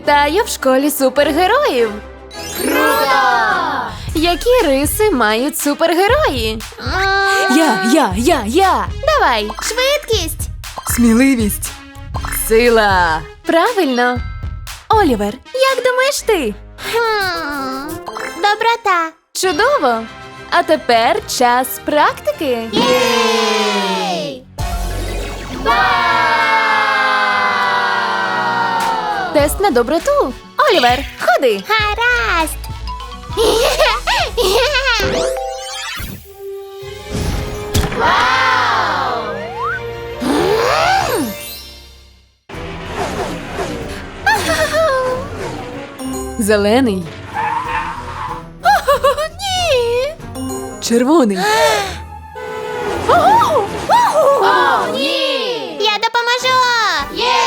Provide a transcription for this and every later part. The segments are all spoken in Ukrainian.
Вітаю в школі супергероїв! Круто! Які риси мають супергерої? Я! Давай! Швидкість! Сміливість! Сила! Правильно! Олівер, як думаєш ти? Доброта! Чудово! А тепер час практики! Єй! Тест на доброту! Олівер, ходи! Гаразд! Вау! Зелений. Ні! Червоний. О, ні! Я допоможу! Є!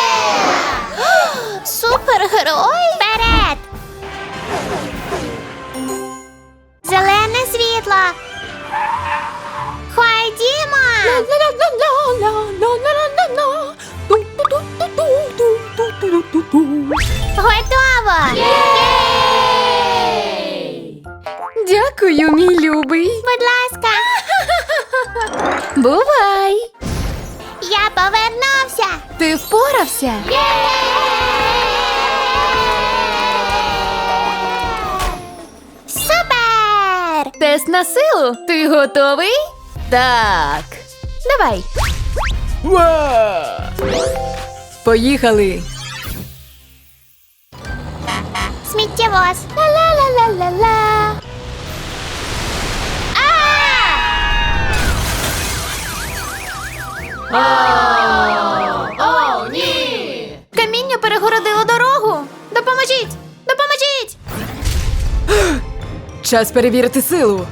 Супергерой? Вперед! Зелене світло! Ходімо! Готово! Єй! Дякую, мій любий. Будь ласка! Бувай! Я повернувся! Ти впорався? Супер! Тест на силу. Ти готовий? Так. Давай. Поїхали. Сміттєвоз! Ла-ла-ла-ла-ла-ла! О, ні! Каміння перегородило дорогу. Допоможіть! Допоможіть! Час перевірити силу.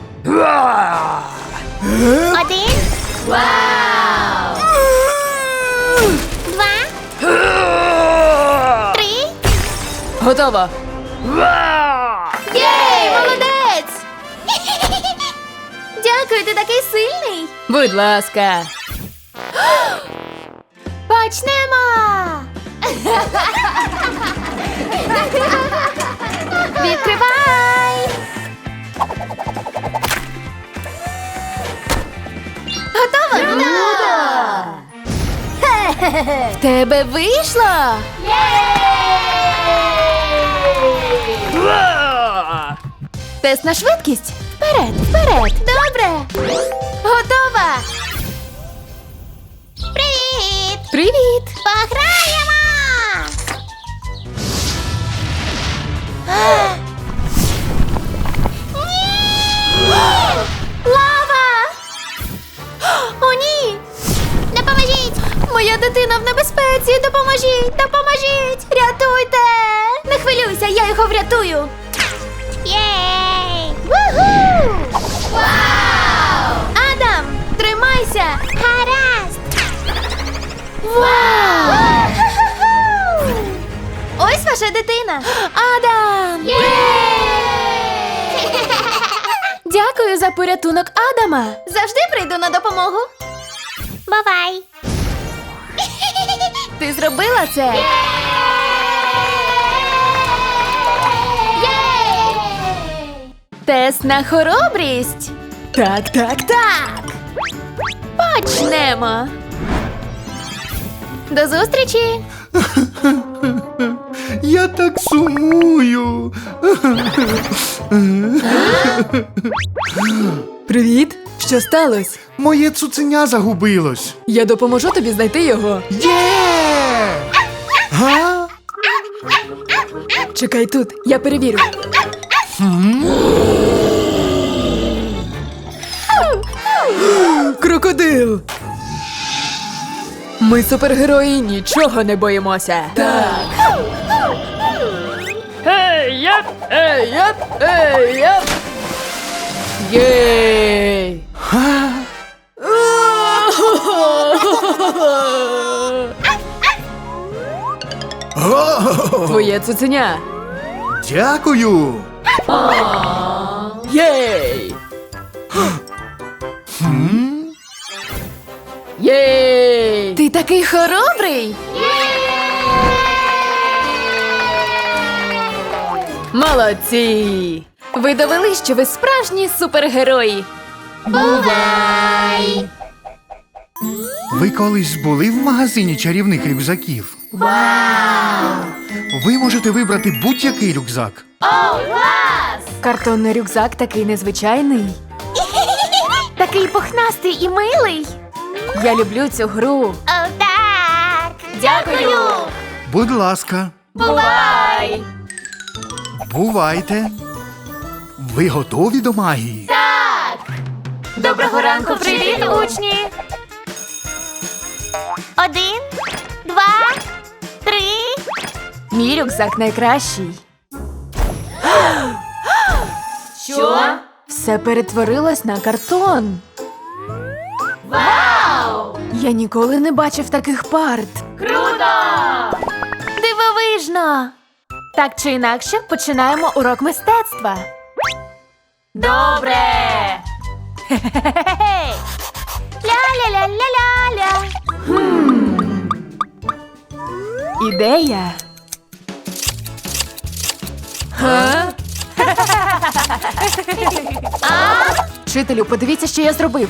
Один. Вау! Два. Три. Готово. Єй! Молодець! Дякую, ти такий сильний! Будь ласка. Почнемо! Відкривай! Готово? В тебе вийшло. Тест на швидкість. Вперед, вперед. Добре! Готова. Привіт! Привіт. Пограємо! Ні! Лава! О, ні! Допоможіть! Моя дитина в небезпеці. Допоможіть, допоможіть. Рятуйте. Не хвилюйся, я його врятую. Єй! Вуху! Вау! Адам, тримайся. Гаразд! Вау! Ось ваша дитина. Адам. Дякую за порятунок Адама. Завжди прийду на допомогу. Бувай! Ти зробила це. Тест на хоробрість. Так. Почнемо. До зустрічі. Я так сумую. Привіт. Що сталося? Моє цуценя загубилось. Я допоможу тобі знайти його. Є! Га? Чекай тут, я перевірю. Крокодил! Ми супергерої, нічого не боїмося. Так. Ей-яп! Єй! Твоє цуценя. Дякую. Єй! Єй! Ти такий хоробрий! Молодці! Ви довели, що ви справжні супергерої. Бувай! Ви колись були в магазині чарівних рюкзаків? Вау! Ви можете вибрати будь-який рюкзак. Картонний рюкзак такий незвичайний. Такий пухнастий і милий. Я люблю цю гру. О, так! Дякую! Будь ласка, Бувай! бувайте. Ви готові до магії? Доброго ранку, привіт, учні! 1, 2, 3. Мій рюкзак найкращий. Що? Все перетворилось на картон. Вау! Я ніколи не бачив таких парт. Круто! Дивовижно! Так чи інакше, починаємо урок мистецтва. Добре! Хе-хе-хе-хе! Ля-ля-ля-ля-ля-ля. Ідея. Га? Вчителю, подивіться, що я зробив.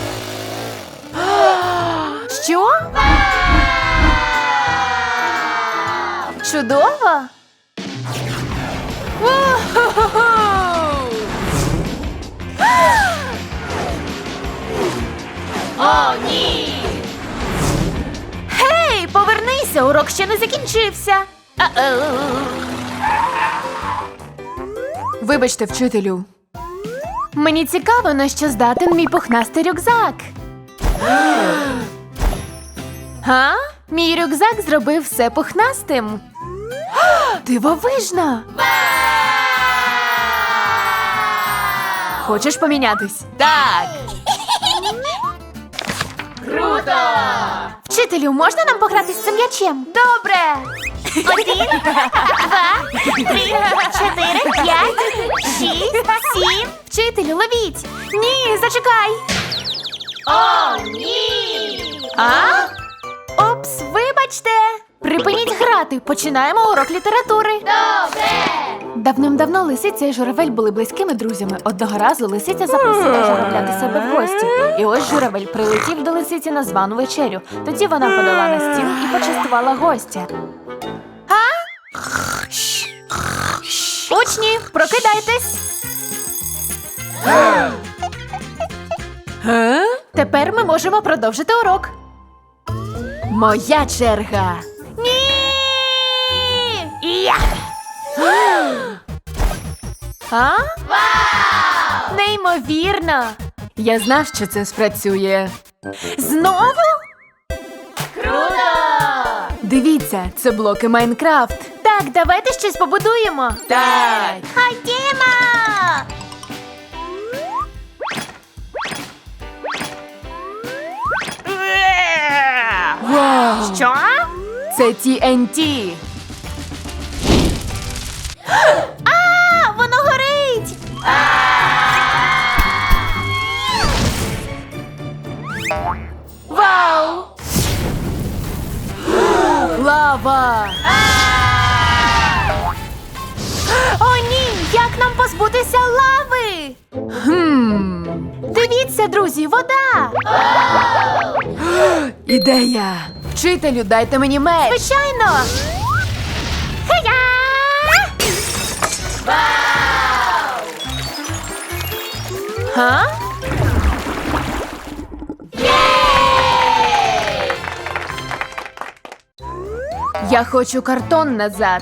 Що? Чудово! Вау! О, ні! Гей, повернися, урок ще не закінчився. Вибачте, вчителю. Мені цікаво, на що здатен мій пухнастий рюкзак. Га? Мій рюкзак зробив все пухнастим. Дивовижно! Хочеш помінятись? Так! Круто! Вчителю, можна нам пограти з цим м'ячем? Добре! 1, 2, 3, 4, 5, 6, 7. Вчителю, ловіть! Ні, зачекай! О, ні! А? Опс, вибачте! Припиніть грати, починаємо урок літератури. Добре! Давним-давно лисиця і журавель були близькими друзями. Одного разу лисиця запросила журавля до себе в гості. І ось журавель прилетів до лисиці на звану вечерю. Тоді вона подала на стіл і почастувала гостя. Учні, прокидайтесь! Тепер ми можемо продовжити урок. Моя черга. Ні! А? Вау! Неймовірно! Я знав, що це спрацює. Знову? Круто! Дивіться, це блоки Майнкрафт. Так, давайте щось побудуємо. Так. Ходімо! Вау! Що? Це TNT. А, воно горить! Вау! Лава! О, ні! Як нам позбутися лави? Дивіться, друзі, вода! Ідея! Вчителю, дайте мені меч! Звичайно! Хе-я! Га? Я хочу картон назад.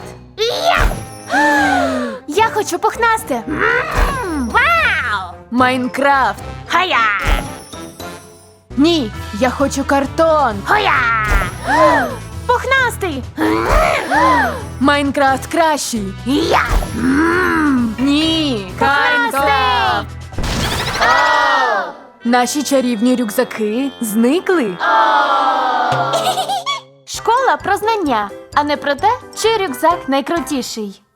Я хочу пухнасте. Вау! Майнкрафт. Хая! Ні, я хочу картон. Хоя! Пухнастий. Майнкрафт кращий. Я! Ні, Майнкрафт. Наші чарівні рюкзаки зникли. Школа про знання, а не про те, чий рюкзак найкрутіший.